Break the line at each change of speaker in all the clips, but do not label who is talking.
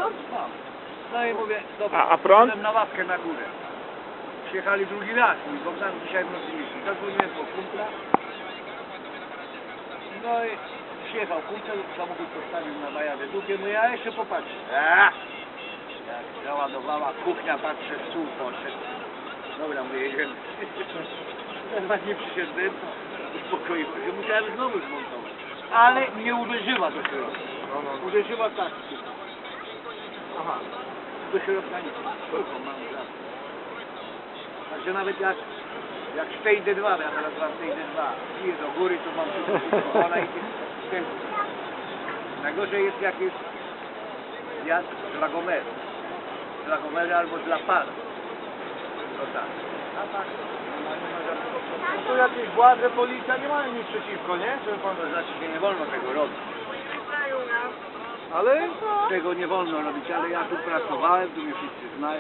mam. No i mówię, dobra,
A prąd?
szedłem na ławkę na górę. Przyjechali drugi raz, mój Bogdan dzisiaj w nocy myśli. Zadzwoniłem po kumpla. No i przyjechał kumpel, samochód postawił na Majadę Długie, no ja jeszcze popatrzę. Jak załadowała kuchnia, patrzę, stół poszedł. Dobra, mówię, jedziemy. Teraz nie przyszedłem, uspokoiłem się, musiałem znowu zmontować. Ale nie uderzyła do środka. Uderzyła tak. Aha. Do środka nic. Tylko mam za. Także nawet jak Stejdę 2, ja teraz mam Stejdę 2, idę do góry, to mam wszystko, ona idzie w tempo. Najgorzej jest jak jest zjazd z Lagomeru. Z Lagomeru albo z La Paz. No tak. A tak.
No to jakieś władze, policja nie mają nic przeciwko, nie? Żeby pan...
To znaczy, że nie wolno tego robić.
Ale...
Tego nie wolno robić, ale ja tu pracowałem, tu mnie wszyscy znają.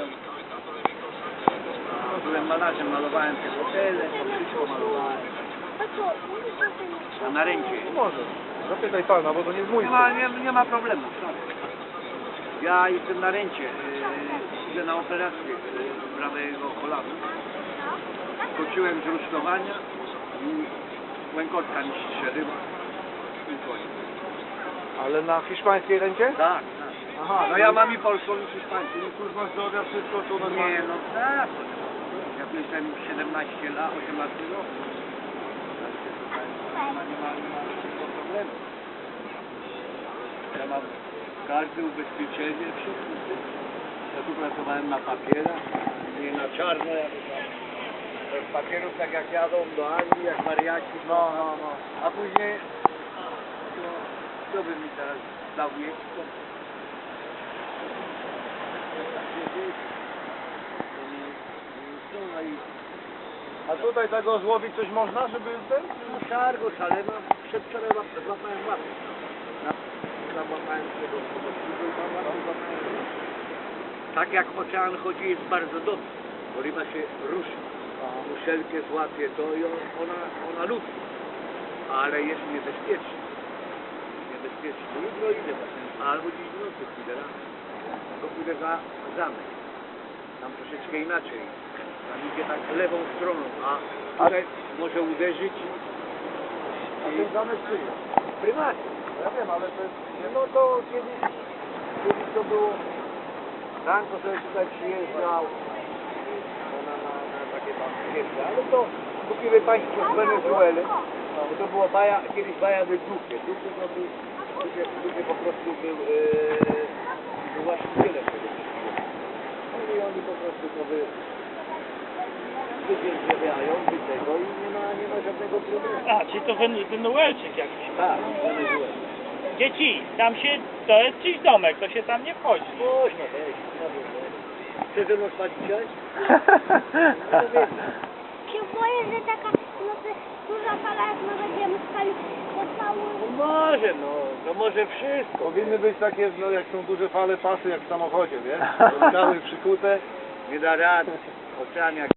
Byłem malarzem, malowałem te hotele, to wszystko malowałem. A na ręcie.
Może. Zapytaj pana, bo to nie jest mój.
Nie ma problemu. Ja jestem na ręcie. Idę na operację prawego kolana. Skoczyłem z rusztowania i łękotka mi strzeliła. I koniec.
Ale na hiszpańskiej ręcie?
Tak, tak.
Aha,
No ja mam i polską, i hiszpańską.
Czyli służba zdrowia, wszystko to normalnie.
Nie, no tak. Ja byłem 17 lat, 18 lat. Nie ma problemu. Ja mam każde ubezpieczenie, wszystko. Ja tu pracowałem na papierach, nie na czarno. Ja z papierów tak jak jadą do Anglii, jak wariaci.
No.
A później, kto by mi teraz dał miejsce?
A tutaj tego złowić coś można, żeby ten?
No szargo, szalema, przedwczoraj złapałem łapę. Złapałem tego, tak jak ocean chodzi jest bardzo dobrze, bo ryba się ruszy. Muszelkę złapie to i ona lubi, ale jest niebezpieczna. Niebezpieczna. Jutro idę właśnie, albo dziś w nocy pójdę rano. To pójdę za zamek. Tam troszeczkę inaczej. Tam idzie tak lewą stroną, a tutaj może uderzyć.
A ten zamek czyje?
Prywatnie.
Ja wiem, ale to jest... No to kiedyś to było...
Franco sobie tutaj przyjeżdżał na takie tam przyjeżdża, ale to kupimy państwo z Wenezueli. Bo to była baja, kiedyś baja de Duque. Duque to był, Duque po prostu był właścicielem tego wszystkiego. No i oni po prostu to wydzierżawiają do tego i nie ma żadnego problemu.
A, czyli to Wenezuelczyk jakiś.
Tak, Wenezuela.
Dzieci, tam się, to jest czyjś domek, to się tam nie wchodzi.
Można wejść, można wejść. Chcesz ze mną spać dzisiaj?
Się boję, że taka duża fala, jak my będziemy spali pod całą...
No może, to może wszystko.
Powinny być takie, no jak są duże fale, pasy jak w samochodzie, wiesz? Skały przykute.
Nie da rady. Ocean jak